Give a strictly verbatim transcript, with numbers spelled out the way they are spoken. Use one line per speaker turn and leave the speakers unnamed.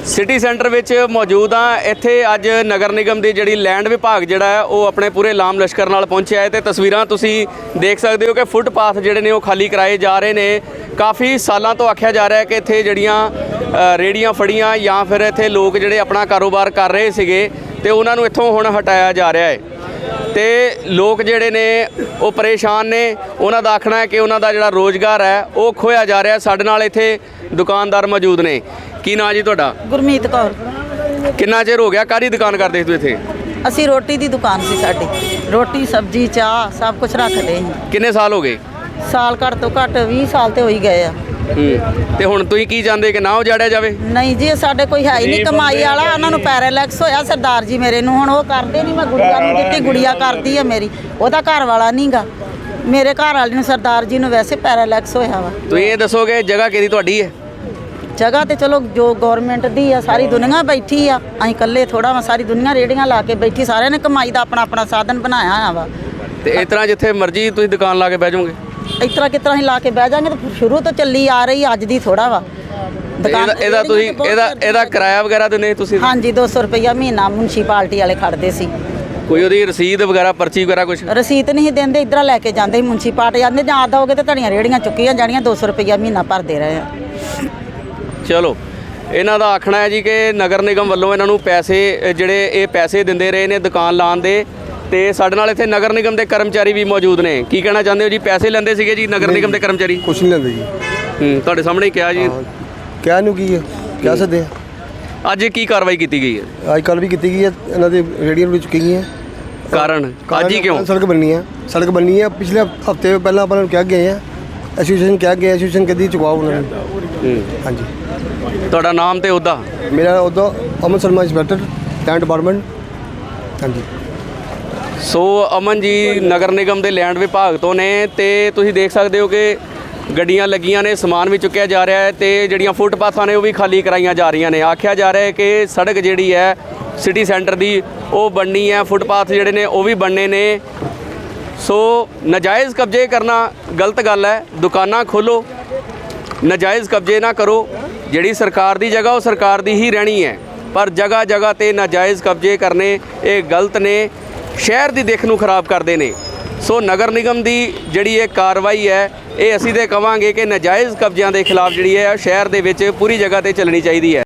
City centre ਵਿੱਚ ਮੌਜੂਦ ਹਾਂ। ਇੱਥੇ ਅੱਜ ਨਗਰ ਨਿਗਮ ਦੀ ਜਿਹੜੀ ਲੈਂਡ ਵਿਭਾਗ ਜਿਹੜਾ ਹੈ ਉਹ ਆਪਣੇ ਪੂਰੇ ਲਾਮ ਲਸ਼ਕਰ ਨਾਲ ਪਹੁੰਚਿਆ ਹੈ ਤੇ ਤਸਵੀਰਾਂ ਤੁਸੀਂ ਦੇਖ ਸਕਦੇ ਹੋ ਕਿ ਫੁੱਟਪਾਥ ਜਿਹੜੇ ਨੇ ਉਹ ਖਾਲੀ ਕਰਾਏ ਜਾ ਰਹੇ ਨੇ। ਕਾਫੀ ਸਾਲਾਂ ਤੋਂ ਆਖਿਆ ਜਾ ਰਿਹਾ ਹੈ ਕਿ ਇੱਥੇ ਜਿਹੜੀਆਂ ਰੇੜੀਆਂ ਫੜੀਆਂ ਜਾਂ ਫਿਰ ਇੱਥੇ ਲੋਕ ਜਿਹੜੇ ਆਪਣਾ ਕਾਰੋਬਾਰ ਕਰ ਰਹੇ ਸੀਗੇ ਤੇ ਉਹਨਾਂ ਨੂੰ ਇੱਥੋਂ ਹੁਣ ਹਟਾਇਆ ਜਾ ਰਿਹਾ ਹੈ ਤੇ ਲੋਕ ਜਿਹੜੇ ਨੇ ਉਹ ਪਰੇਸ਼ਾਨ ਨੇ। ਉਹਨਾਂ ਦਾ ਆਖਣਾ ਹੈ ਕਿ ਉਹਨਾਂ ਦਾ ਜਿਹੜਾ ਰੋਜ਼ਗਾਰ ਹੈ ਉਹ ਖੋਇਆ ਜਾ ਰਿਹਾ। ਸਾਡੇ ਨਾਲ ਇੱਥੇ ਦੁਕਾਨਦਾਰ ਮੌਜੂਦ ਨੇ। ਕੀ ਨਾਂ ਜੀ ਤੁਹਾਡਾ?
ਗੁਰਮੀਤ ਕੌਰ।
ਕਿੰਨਾ ਚਿਰ ਹੋ ਗਿਆ? ਕਾਹਦੀ ਦੁਕਾਨ ਕਰਦੇ ਸੀ ਇੱਥੇ?
ਅਸੀਂ ਰੋਟੀ ਦੀ ਦੁਕਾਨ ਸੀ ਸਾਡੀ। ਰੋਟੀ ਸਬਜ਼ੀ ਚਾਹ ਸਭ ਕੁਝ ਰੱਖਦੇ ਸੀ।
ਕਿੰਨੇ ਸਾਲ ਹੋ ਗਏ?
ਸਾਲ ਘੱਟ ਤੋਂ ਘੱਟ ਵੀਹ ਸਾਲ ਤੇ ਹੋ ਹੀ ਗਏ ਆ।
ਹੂੰ ਤੇ ਹੁਣ ਤੁਸੀਂ ਕੀ ਚਾਹੁੰਦੇ ਕਿ ਨਾ ਉਜਾੜਿਆ ਜਾਵੇ?
ਨਹੀਂ ਜੀ, ਸਾਡੇ ਕੋਈ ਹੈ ਹੀ ਨਹੀਂ ਕਮਾਈ ਵਾਲਾ। ਉਹਨਾਂ ਨੂੰ ਪੈਰਾਲੈਕਸ ਹੋਇਆ ਸਰਦਾਰ ਜੀ ਮੇਰੇ ਨੂੰ। ਹੁਣ ਉਹ ਕਰਦੇ ਨਹੀਂ। ਮੈਂ ਗੁੜੀਆ ਨੂੰ ਦਿੱਤੀ, ਗੁੜੀਆ ਕਰਦੀ ਆ ਮੇਰੀ। ਉਹਦਾ ਘਰ ਵਾਲਾ ਨਹੀਂਗਾ। ਮੇਰੇ ਘਰ ਵਾਲੇ ਨੂੰ ਸਰਦਾਰ ਜੀ ਨੂੰ ਵੈਸੇ ਪੈਰਾਲੈਕਸ ਹੋਇਆ ਵਾ।
ਤੁਸੀਂ ਇਹ ਦੱਸੋਗੇ ਜਗ੍ਹਾ ਕਿਹਦੀ ਤੁਹਾਡੀ ਹੈ?
ਜਗ੍ਹਾ ਤੇ ਚਲੋ ਜੋ ਗਵਰਨਮੈਂਟ ਦੀ ਆ, ਸਾਰੀ ਦੁਨੀਆ ਬੈਠੀ ਆ। ਅਸੀਂ ਇਕੱਲੇ ਥੋੜਾ ਵਾ, ਸਾਰੀ ਦੁਨੀਆ ਰੇੜੀਆਂ ਲਾ ਕੇ ਬੈਠੀ। ਸਾਰਿਆਂ ਨੇ ਕਮਾਈ ਦਾ ਆਪਣਾ ਆਪਣਾ ਸਾਧਨ ਬਣਾਇਆ ਆ ਵਾ।
ਤੇ ਇਸ ਤਰ੍ਹਾਂ ਜਿੱਥੇ ਮਰਜ਼ੀ ਤੁਸੀਂ ਦੁਕਾਨ ਲਾ ਕੇ ਬਹਿ ਜਾਓਗੇ?
ਇਸ ਤਰ੍ਹਾਂ ਕਿਸ ਤਰ੍ਹਾਂ ਅਸੀਂ ਲਾ ਕੇ ਬਹਿ ਜਾਾਂਗੇ? ਤਾਂ ਸ਼ੁਰੂ ਤੋਂ ਚੱਲੀ ਆ ਰਹੀ, ਅੱਜ ਦੀ ਥੋੜਾ ਵਾ ਦੁਕਾਨ।
ਇਹਦਾ ਤੁਸੀਂ ਇਹਦਾ ਇਹਦਾ ਕਿਰਾਇਆ ਵਗੈਰਾ ਦਿੰਦੇ ਤੁਸੀਂ?
ਹਾਂਜੀ, ਦੋ ਸੌ ਰੁਪਈਆ ਮਹੀਨਾ ਮੁਨਸੀਪਾਲਟੀ ਵਾਲੇ ਖੜਦੇ ਸੀ।
ਕੋਈ ਉਹਦੀ ਰਸੀਦ ਵਗੈਰਾ ਪਰਚੀ ਵਗੈਰਾ ਕੁਝ?
ਰਸੀਦ ਨਹੀਂ ਦਿੰਦੇ, ਇੱਧਰ ਲੈ ਕੇ ਜਾਂਦੇ ਮੁਨਸੀਪਾਲਟੀ। ਜਾਂਦੇ ਜਾਂ ਦੋਗੇ ਤਾਂ ਤੁਹਾਡੀਆਂ ਰੇੜੀਆਂ ਚੁੱਕੀਆਂ ਜਾਣੀਆਂ। ਦੋ ਸੌ ਰੁਪਈਆ ਮਹੀਨਾ ਭਰਦੇ ਰਹੇ ਆ।
ਚਲੋ, ਇਹਨਾਂ ਦਾ ਆਖਣਾ ਹੈ ਜੀ ਕਿ ਨਗਰ ਨਿਗਮ ਵੱਲੋਂ ਇਹਨਾਂ ਨੂੰ ਪੈਸੇ ਜਿਹੜੇ ਇਹ ਪੈਸੇ ਦਿੰਦੇ ਰਹੇ ਨੇ ਦੁਕਾਨ ਲਾਉਣ ਦੇ। ਤੇ ਸਾਡੇ ਨਾਲ ਇੱਥੇ ਨਗਰ ਨਿਗਮ ਦੇ ਕਰਮਚਾਰੀ ਵੀ ਮੌਜੂਦ ਨੇ। ਕੀ ਕਹਿਣਾ ਚਾਹੁੰਦੇ ਹੋ ਜੀ? ਪੈਸੇ ਲੈਂਦੇ ਸੀਗੇ ਜੀ ਨਗਰ ਨਿਗਮ ਦੇ ਕਰਮਚਾਰੀ?
ਕੁਛ ਨਹੀਂ ਲੈਂਦੇ ਜੀ।
ਹੂੰ, ਤੁਹਾਡੇ ਸਾਹਮਣੇ ਹੀ ਕਿਹਾ ਜੀ।
ਕਹਿ ਨੂੰ ਕੀ ਹੈ, ਕਹਿ ਸਕਦੇ
ਅੱਜ ਕੀ ਕਾਰਵਾਈ ਕੀਤੀ ਗਈ ਹੈ?
ਅੱਜ ਕੱਲ੍ਹ ਵੀ ਕੀਤੀ ਗਈ ਹੈ। ਇਹਨਾਂ ਦੇ ਰੇੜੀਆਂ ਵੀ ਚੁੱਕੀ ਗਈਆਂ।
ਕਾਰਨ ਅੱਜ ਹੀ ਕਿਉਂ?
ਸੜਕ ਬਣਨੀ ਹੈ। ਸੜਕ ਬਣਨੀ ਹੈ। ਪਿਛਲੇ ਹਫਤੇ ਪਹਿਲਾਂ ਆਪਾਂ ਨੂੰ ਕਹਿ ਗਏ ਆ, ਐਸੋਸੀਏਸ਼ਨ ਕਹਿ ਗਏ, ਐਸੋਸੀਏਸ਼ਨ ਕਦੀ ਚੁਕਵਾਓ ਉਹਨਾਂ ਨੂੰ। ਹਾਂਜੀ।
ਤੁਹਾਡਾ ਨਾਮ ਤੇ ਉਹਦਾ?
ਮੇਰਾ ਉਹਦਾ Aman Sharma, inspector land department. ਹਾਂਜੀ।
ਸੋ ਅਮਨ ਜੀ ਨਗਰ ਨਿਗਮ ਦੇ ਲੈਂਡ ਵਿਭਾਗ ਤੋਂ ਨੇ ਤੇ ਤੁਸੀਂ ਦੇਖ ਸਕਦੇ ਹੋ ਕਿ ਗੱਡੀਆਂ ਲੱਗੀਆਂ ਨੇ, ਸਮਾਨ ਵੀ ਚੁੱਕਿਆ ਜਾ ਰਿਹਾ ਹੈ ਤੇ ਜਿਹੜੀਆਂ ਫੁੱਟਪਾਥਾਂ ਨੇ ਉਹ ਵੀ ਖਾਲੀ ਕਰਾਈਆਂ ਜਾ ਰਹੀਆਂ ਨੇ। ਆਖਿਆ ਜਾ ਰਿਹਾ ਹੈ ਕਿ ਸੜਕ ਜਿਹੜੀ ਹੈ ਸਿਟੀ ਸੈਂਟਰ ਦੀ ਉਹ ਬਣਨੀ ਹੈ, ਫੁੱਟਪਾਥ ਜਿਹੜੇ ਨੇ ਉਹ ਵੀ ਬਣਨੇ ਨੇ। ਸੋ ਨਾਜਾਇਜ਼ ਕਬਜ਼ੇ ਕਰਨਾ ਗਲਤ ਗੱਲ ਹੈ। ਦੁਕਾਨਾਂ ਖੋਲ੍ਹੋ, ਨਾਜਾਇਜ਼ ਕਬਜ਼ੇ ਨਾ ਕਰੋ। ਜਿਹੜੀ ਸਰਕਾਰ ਦੀ ਜਗ੍ਹਾ ਉਹ ਸਰਕਾਰ ਦੀ ਹੀ ਰਹਿਣੀ ਹੈ, ਪਰ ਜਗ੍ਹਾ ਜਗ੍ਹਾ 'ਤੇ ਨਾਜਾਇਜ਼ ਕਬਜ਼ੇ ਕਰਨੇ ਇਹ ਗਲਤ ਨੇ, ਸ਼ਹਿਰ ਦੀ ਦਿੱਖ ਨੂੰ ਖਰਾਬ ਕਰਦੇ ਨੇ। ਸੋ ਨਗਰ ਨਿਗਮ ਦੀ ਜਿਹੜੀ ਇਹ ਕਾਰਵਾਈ ਹੈ ਇਹ ਅਸੀਂ ਤਾਂ ਕਹਾਂਗੇ ਕਿ ਨਾਜਾਇਜ਼ ਕਬਜ਼ਿਆਂ ਦੇ ਖਿਲਾਫ ਜਿਹੜੀ ਹੈ ਸ਼ਹਿਰ ਦੇ ਵਿੱਚ ਪੂਰੀ ਜਗ੍ਹਾ 'ਤੇ ਚੱਲਣੀ ਚਾਹੀਦੀ ਹੈ।